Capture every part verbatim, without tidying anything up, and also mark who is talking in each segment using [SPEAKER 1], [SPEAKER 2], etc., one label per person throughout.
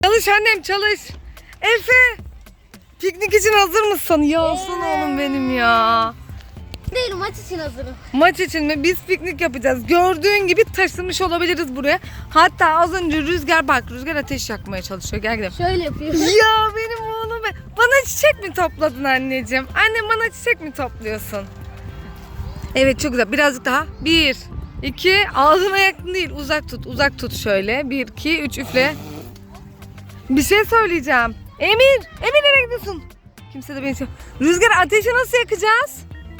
[SPEAKER 1] Çalış annem çalış. Efe. Piknik için hazır mısın? Ya aslan oğlum benim ya.
[SPEAKER 2] Değil, maç için hazırım.
[SPEAKER 1] Maç için mi? Biz piknik yapacağız. Gördüğün gibi taşınmış olabiliriz buraya. Hatta az önce Rüzgar bak Rüzgar ateş yakmaya çalışıyor. Gel gidelim.
[SPEAKER 2] Şöyle yapıyor.
[SPEAKER 1] Ya benim oğlum be. Bana çiçek mi topladın anneciğim? Annem bana çiçek mi topluyorsun? Evet çok güzel. Birazcık daha. Bir, iki, ağzına yakın değil. Uzak tut, uzak tut şöyle. Bir, iki, üç üfle. Bir şey söyleyeceğim. Emir, Emir nereye gidiyorsun? Kimse de beni şey... Rüzgar ateşi nasıl yakacağız?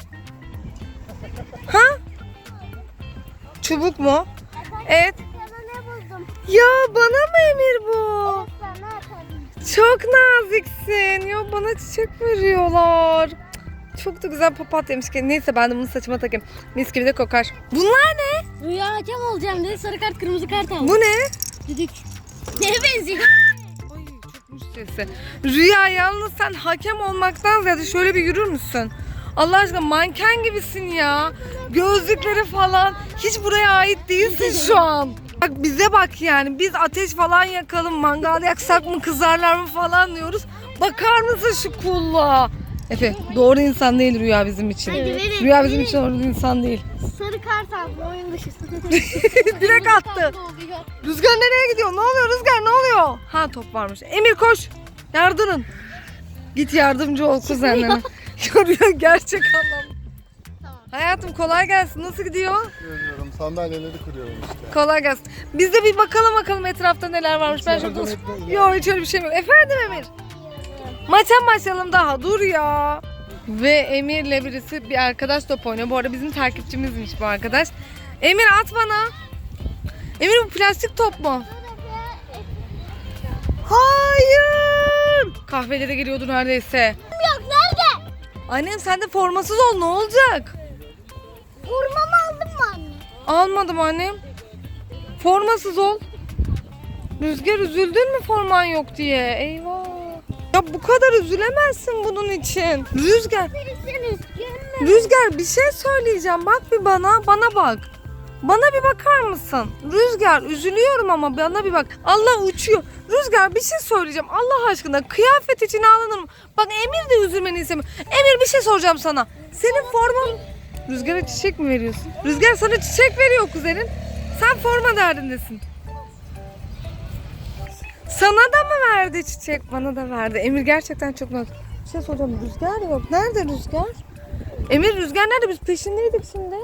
[SPEAKER 1] Ha? Çubuk mu? Evet.
[SPEAKER 2] Ne buldum?
[SPEAKER 1] Ya bana mı Emir bu?
[SPEAKER 2] Sana atarım.
[SPEAKER 1] Çok naziksin. Ya bana çiçek veriyorlar. Çok da güzel papatyaymış ki. Neyse ben de bunu saçıma takayım. Mis gibi de kokar. Bunlar ne?
[SPEAKER 2] Rüya hakem olacağım dedi, sarı kart kırmızı kart aldı.
[SPEAKER 1] Bu ne?
[SPEAKER 2] Düdük. Neye benziyor?
[SPEAKER 1] Ay çokmuş sesi. Rüya yalnız sen hakem olmaktan ziyade şöyle bir yürür müsün? Allah aşkına manken gibisin ya. Gözlükleri falan. Hiç buraya ait değilsin şu an. Bak bize bak yani. Biz ateş falan yakalım, mangal yaksak mı kızarlar mı falan diyoruz. Bakar mısın şu kulluğa? Efe doğru insan değil Rüya bizim için.
[SPEAKER 2] Hadi verin,
[SPEAKER 1] Rüya bizim
[SPEAKER 2] verin.
[SPEAKER 1] için doğru insan değil.
[SPEAKER 2] Sarı kart aldı, oyun dışısı.
[SPEAKER 1] Direkt attı. Rüzgar nereye gidiyor? Ne oluyor Rüzgar ne oluyor? Ha top varmış. Emir koş. Yardırın. Git yardımcı ol kuzenlerine. Rüya gerçek anlam.
[SPEAKER 2] Tamam.
[SPEAKER 1] Hayatım kolay gelsin. Nasıl gidiyor?
[SPEAKER 3] Görüyorum. Sandalyeleri kırıyorum işte.
[SPEAKER 1] Kolay gelsin. Biz de bir bakalım bakalım etrafta neler varmış. Ben şurada... Yok hiç öyle bir şey yok. Efendim Emir? Maça başlayalım daha. Dur ya. Ve Emir'le birisi bir arkadaş top oynuyor. Bu arada bizim takipçimizmiş bu arkadaş. Emir at bana. Emir bu plastik top mu? Hayır. Kahvelere geliyordu neredeyse.
[SPEAKER 2] Yok, nerede?
[SPEAKER 1] Annem sen de formasız ol ne olacak?
[SPEAKER 2] Vurmamı aldın mı anne?
[SPEAKER 1] Almadım annem. Formasız ol. Rüzgar üzüldün mü forman yok diye? Eyvah. Ya bu kadar üzülemezsin bunun için. Rüzgar.
[SPEAKER 2] Sen üzgün mü?
[SPEAKER 1] Rüzgar bir şey söyleyeceğim. Bak bir bana. Bana bak. Bana bir bakar mısın? Rüzgar üzülüyorum ama bana bir bak. Allah uçuyor. Rüzgar bir şey söyleyeceğim. Allah aşkına kıyafet için ağlanır mı? Bak Emir de üzülmeni istemiyor. Emir bir şey soracağım sana. Senin forman... Rüzgar'a çiçek mi veriyorsun? Rüzgar sana çiçek veriyor kuzenin. Sen forma derdindesin. Sana da mı verdi çiçek? Bana da verdi. Emir gerçekten çok mutlu. Bir şey soracağım. Rüzgar yok. Nerede Rüzgar? Emir Rüzgar nerede? Biz peşindeydik şimdi.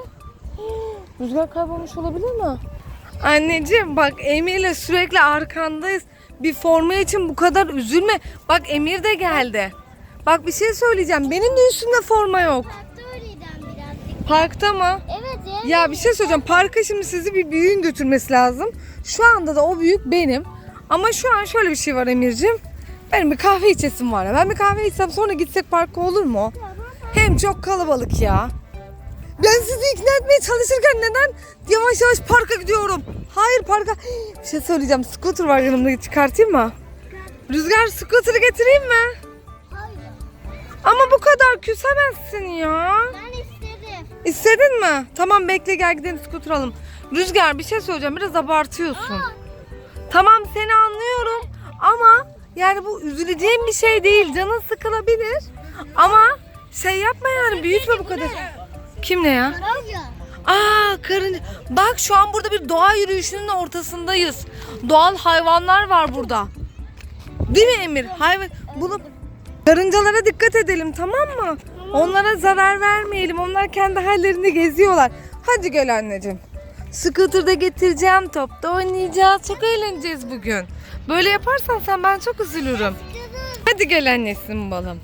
[SPEAKER 1] Rüzgar kaybolmuş olabilir mi? Anneciğim bak Emir'le sürekli arkandayız. Bir forma için bu kadar üzülme. Bak Emir de geldi. Bak bir şey söyleyeceğim. Benim de üstümde forma yok.
[SPEAKER 2] Parkta öyleydim birazcık.
[SPEAKER 1] Parkta mı?
[SPEAKER 2] Evet ya.
[SPEAKER 1] Ya bir şey söyleyeceğim. Parka şimdi sizi bir büyüğün götürmesi lazım. Şu anda da o büyük benim. Ama şu an şöyle bir şey var Emir'cim. Benim bir kahve içesim var ya. Ben bir kahve içsem sonra gitsek parka olur mu? Hem çok kalabalık ya. Ben sizi ikna etmeye çalışırken neden yavaş yavaş parka gidiyorum? Hayır parka. Bir şey söyleyeceğim. Scooter var yanımda, çıkartayım mı? Rüzgar scooter'ı getireyim mi?
[SPEAKER 2] Hayır.
[SPEAKER 1] Ama bu kadar küsemezsin ya.
[SPEAKER 2] Ben istedim.
[SPEAKER 1] İstedin mi? Tamam bekle gel gidelim scooter alalım. Rüzgar bir şey söyleyeceğim. Biraz abartıyorsun.
[SPEAKER 2] Aa.
[SPEAKER 1] Tamam seni anlıyorum ama yani bu üzüleceğim bir şey değil. Canın sıkılabilir ama şey yapma yani büyütme bu kadar. Kim ne ya?
[SPEAKER 2] Karınca.
[SPEAKER 1] Aa karınca. Bak şu an burada bir doğa yürüyüşünün ortasındayız. Doğal hayvanlar var burada. Değil mi Emir? Hayvan. Bunu karıncalara dikkat edelim tamam mı? Onlara zarar vermeyelim. Onlar kendi hallerinde geziyorlar. Hadi gel anneciğim. Scooter'da getireceğim. Topta oynayacağız. Çok eğleneceğiz bugün. Böyle yaparsan sen ben çok üzülürüm. Hadi gel annesin balım.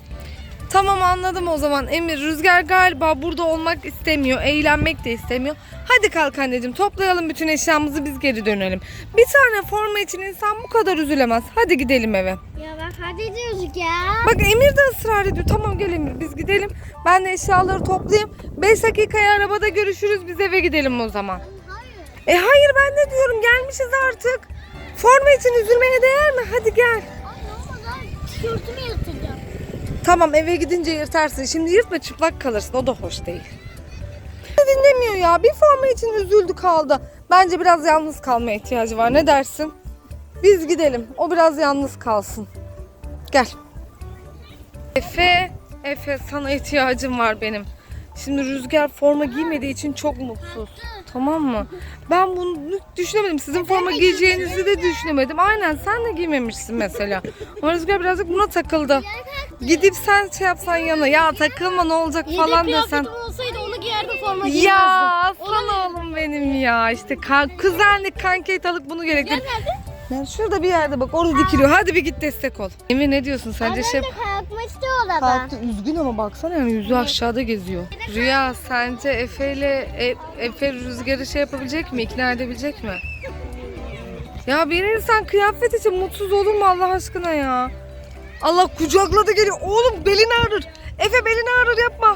[SPEAKER 1] Tamam anladım o zaman. Emir Rüzgar galiba burada olmak istemiyor. Eğlenmek de istemiyor. Hadi kalk anneciğim toplayalım bütün eşyamızı biz geri dönelim. Bir tane forma için insan bu kadar üzülemez. Hadi gidelim eve.
[SPEAKER 2] Ya bak hadi diyoruz ya.
[SPEAKER 1] Bak Emir de ısrar ediyor. Tamam gel Emir biz gidelim. Ben de eşyaları toplayayım. beş dakikaya arabada görüşürüz. Biz eve gidelim o zaman.
[SPEAKER 2] Hayır.
[SPEAKER 1] E hayır ben de diyorum gelmişiz artık. Forma için üzülmeye değer mi? Hadi gel.
[SPEAKER 2] Ay olmaz abi. Tişörtümü yırtacağım.
[SPEAKER 1] Tamam eve gidince yırtarsın. Şimdi yırtma çıplak kalırsın. O da hoş değil. Dinlemiyor ya. Bir forma için üzüldü kaldı. Bence biraz yalnız kalmaya ihtiyacı var. Ne dersin? Biz gidelim. O biraz yalnız kalsın. Gel. Efe, Efe sana ihtiyacım var benim. Şimdi Rüzgar forma giymediği için çok mutsuz. Tamam mı? Ben bunu düşünemedim. Sizin forma giyeceğinizi de düşünemedim. Aynen sen de giymemişsin mesela. Ama Rüzgar birazcık buna takıldı. Gidip sen şey yapsan yana ya takılma ne olacak falan
[SPEAKER 2] Yedek
[SPEAKER 1] desen.
[SPEAKER 2] kıyafetim olsaydı onu giyerdim, forma giymezdim.
[SPEAKER 1] Ya aslan oğlum benim ya. İşte kan, kuzenlik kankayt alıp bunu gerektir.
[SPEAKER 2] Nerede?
[SPEAKER 1] Yani şurada bir yerde bak orada dikiliyor. Hadi bir git destek ol. Emir ne diyorsun sence şey...
[SPEAKER 2] Kalkmak istiyor orada.
[SPEAKER 1] Kalktı üzgün ama baksana yani yüzü aşağıda geziyor. Rüya sence Efe ile e, Efe Rüzgar'ı şey yapabilecek mi? İkna edebilecek mi? Ya bir insan kıyafet için mutsuz olur mu Allah aşkına ya? Allah kucakladı geliyor. Oğlum belini ağrır. Efe belini ağrır yapma.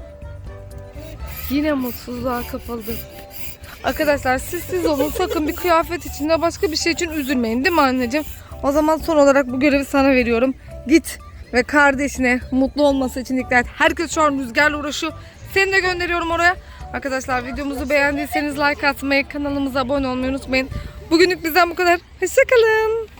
[SPEAKER 1] Yine mutsuzluğa kapıldı. Arkadaşlar siz siz olun sakın bir kıyafet için de başka bir şey için üzülmeyin değil mi anneciğim? O zaman son olarak bu görevi sana veriyorum. Git ve kardeşine mutlu olması için dikkat et. Herkes şu an Rüzgar'la uğraşıyor. Seni de gönderiyorum oraya. Arkadaşlar videomuzu beğendiyseniz like atmayı, kanalımıza abone olmayı unutmayın. Bugünlük bizden bu kadar. Hoşçakalın.